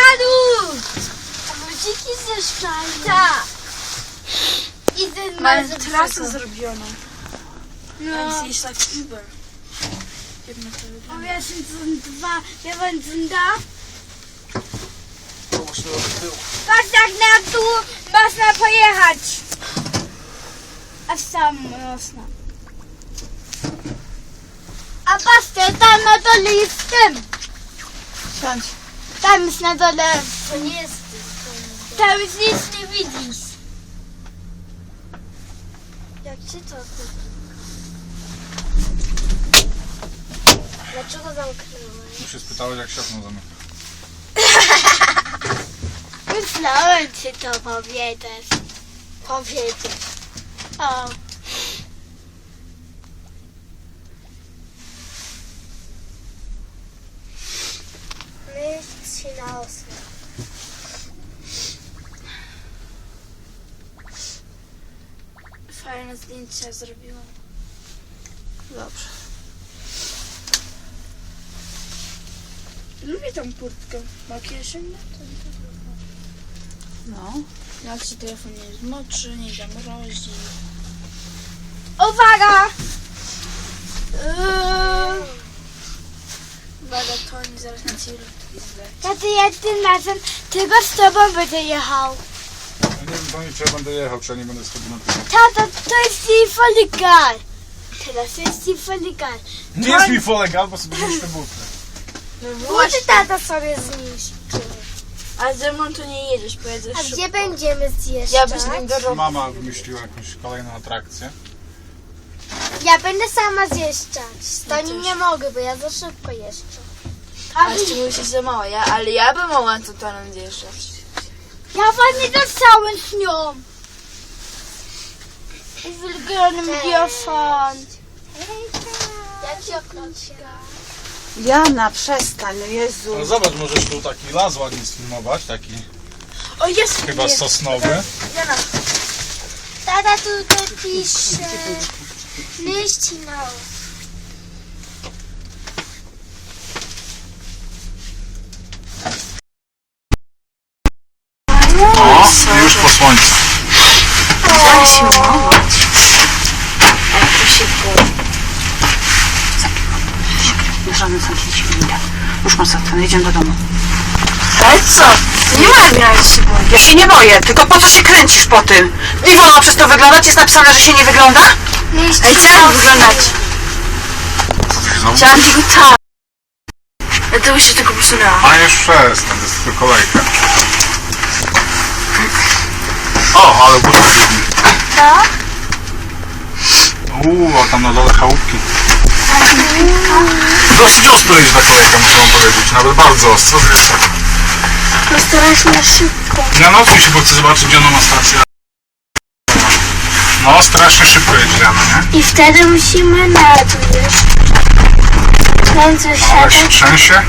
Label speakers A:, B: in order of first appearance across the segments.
A: Malu! Ludziki zeszczają. Tak. I ten
B: Mamy trasę zrobioną.
A: No.
B: Więc jest tak Uber. Jedno to wygląda.
A: A ja sind dwa, wir wollen da. Patrz jak na tu można pojechać. A sam można. A patrzcie, tam na dole jest tym.
B: Siądź.
A: Tam jest na dole. To nie jest. Tam już nic nie widzisz. Jak się to Dlaczego zamknąłeś?
C: Tu się spytałeś, jak się okno zamyka.
A: Myślałem, czy to powiedziesz. O. Myśl się na osłę.
B: Fajne zdjęcia zrobiłam. Dobrze. Lubię tą kurtkę. Ma kieszeń? No. Jak się telefon nie zmoczy, nie zamrozi.
A: Uwaga!
B: Uwaga, to oni zaraz na ciebie zleci.
A: Taty, ja tym razem tylko z tobą będę jechał.
C: Ja nie wiem, pani, czy ja będę jechał, czy ja nie będę schodził na tył.
A: Tata, to jest ci voll egal. Teraz jest ci voll egal.
C: Nie jest mi folegal, bo sobie zniszczę buty.
B: No
A: Buty tata sobie zniszczy.
B: A ze mną to nie jedziesz, pojedziesz
A: A
B: szybko.
A: gdzie będziemy zjeżdżać?
B: Ja byś nim do roboty.
C: Mama wymyśliła jakąś kolejną atrakcję.
A: Ja będę sama zjeżdżać. Z
B: Ja
A: Tonim
B: też.
A: nie mogę, bo ja za szybko jeżdżę.
B: A jeszcze mówisz za mało, ale ja bym mogła to tonem zjeżdżać.
A: Ja was nie dostałem z nią. Ich will gerne mit dir fahren. Jak się okroczka?
D: Jana, przestań, no Jezu.
C: Ale zobacz, możesz tu taki las ładnie sfilmować, taki
B: O, jest!
C: chyba
B: jest.
C: sosnowy.
B: Jana.
A: Tata tutaj pisze. Nicht hinaus.
C: O, już po słońcu.
D: Daj się umować. Jak to się było? Nie żadne zamknięcie winda. Już mam zatwierdzone, jedziemy do domu.
B: Ale co? Nie ma jak się boisz.
D: Ja się nie boję, tylko po co się kręcisz po tym? Nie wolno przez to wyglądać, jest napisane, że się nie wygląda?
A: Nicht
B: Ej, co jak wyglądać? Chciałam tylko tak. Dlatego się tylko posunęłam.
C: A już przestań, to jest tylko kolejka. O, ale buty biegnie.
A: Co?
C: A tam na dole chałupki. Dosyć ostro jest ta kolejka, muszę wam powiedzieć. Nawet bardzo ostro, wiesz.
A: To strasznie szybko.
C: Ja nocy się, bo chcę zobaczyć, gdzie ona ma stację. No, strasznie szybko jedzie Jana, nie?
A: I wtedy musimy na to jeść. Kręcę
C: Ale się
A: się.
C: trzęsie.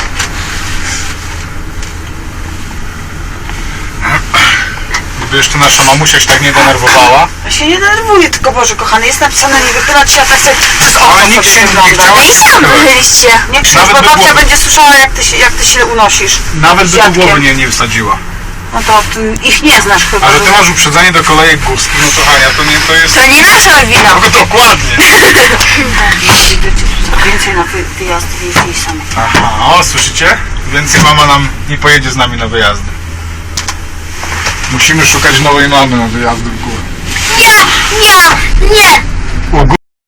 C: Gdyby jeszcze nasza mamusia się tak nie denerwowała.
D: Ja się nie denerwuję, tylko Boże kochany, jest napisane nie wychylać się, a tak sobie przez okno
C: Ale nikt
D: sobie
C: się nie
D: wygląda.
C: chciał
B: I sam wychyliście.
D: Nie krzycz,
C: Nawet
D: bo
C: by
D: babcia
C: głowy-
D: będzie słyszała, jak ty się unosisz.
C: Nawet
D: z
C: by tu
D: dziadkiem.
C: głowy nie wsadziła.
D: No to ty ich nie znasz chyba.
C: A że ty
D: że-
C: masz uprzedzenie do kolejek górskich, no to Hania, to jest...
B: To nie nasza wina.
C: No dokładnie.
D: Więcej na wyjazdy jeździ sami.
C: Aha, o, słyszycie? Więcej mama nam nie pojedzie z nami na wyjazdy. Musimy szukać nowej mamy na wyjazdy w górę.
A: Nie!
C: O,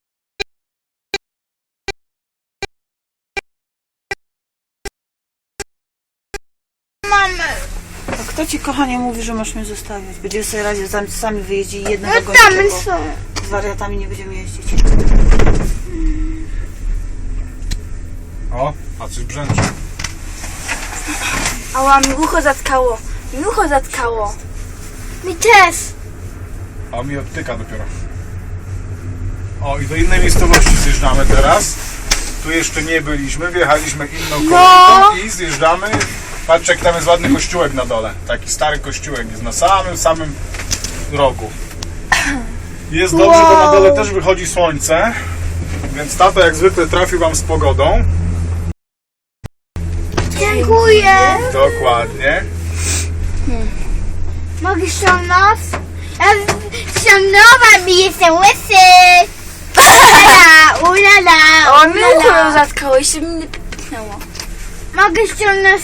A: Mamy.
D: A kto ci kochanie mówi, że masz mnie zostawiać? Będziemy sobie razie sami wyjeździli jednego
A: No
D: gościa,
A: tam
D: bo
A: są.
D: z wariatami nie będziemy jeździć.
C: O, a coś brzęczy.
B: Ała, mi ucho zatkało. Mi ucho zatkało.
A: Mi też.
C: A mi odtyka dopiero. O, i do innej miejscowości zjeżdżamy teraz. Tu jeszcze nie byliśmy, wjechaliśmy inną kolejką i zjeżdżamy. Patrzcie, jak tam jest ładny kościółek na dole. Taki stary kościółek jest na samym rogu. Jest dobrze, bo na dole też wychodzi słońce. Więc tato jak zwykle trafił wam z pogodą.
A: Dziękuję.
C: Dokładnie.
A: Mogę ściągnąć? Ściągnąłem i jestem łysy. Ulala.
B: O, mnie to zatkało i się mnie pipnęło.
A: Mogę ściągnąć.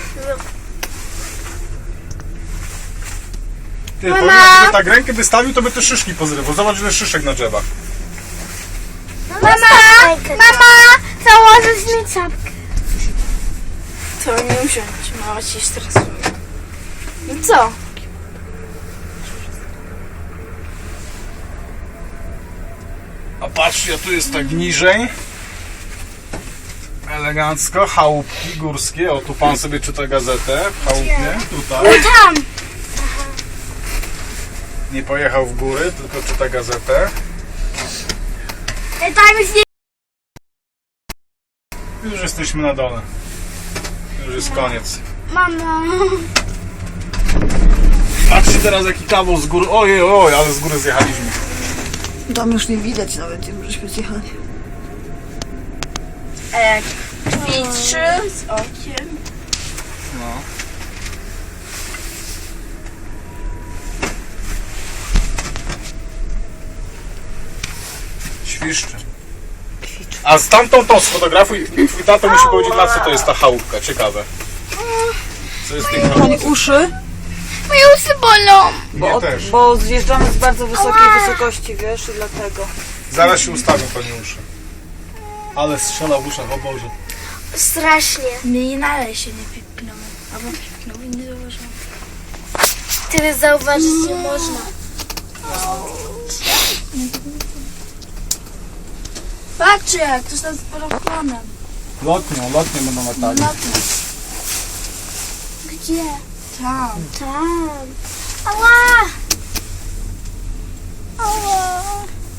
C: Ty,
A: Mama.
C: powiem, jakby tak rękę wystawił, to by te szyszki pozrywał. Zobacz, ile szyszek na drzewach.
A: Mama, założysz mi czapkę.
B: To nie usiądź, mama ci stresuje. No co?
C: A patrzcie, tu jest tak niżej. Elegancko, chałupki górskie. O, tu pan sobie czyta gazetę w chałupie. Tutaj.
A: Tam.
C: Nie pojechał w góry, tylko czyta gazetę.
A: Tam jest nie...
C: Już jesteśmy na dole. Już jest koniec.
A: Mama.
C: Patrzcie teraz, jaki kawał z góry. Ojej, ale z góry zjechaliśmy.
D: Tam już nie widać nawet, gdzie żeśmy zjechali.
B: A jak ćwiczy z okiem.
C: No. Świszczy. A z tamtą to sfotografuj. Twój tato musi powiedzieć, na co to jest ta chałupka. Ciekawe. Co jest w tej chałupce?
D: Uszy,
A: Moje usy bolą.
C: Mnie też.
D: bo zjeżdżamy z bardzo wysokiej wysokości, wiesz, i dlatego.
C: Zaraz się ustawią pani uszy. Ale strzela w uszach, o Boże.
A: Strasznie.
B: Mnie dalej się nie pipnęło. Albo pipnął i nie zauważyłam.
A: Tyle zauważyć nie można.
B: Patrzcie, jak ktoś tam z paraplanem.
C: Lotnie będą latali.
A: Gdzie?
B: Tam.
A: Tam. Ała!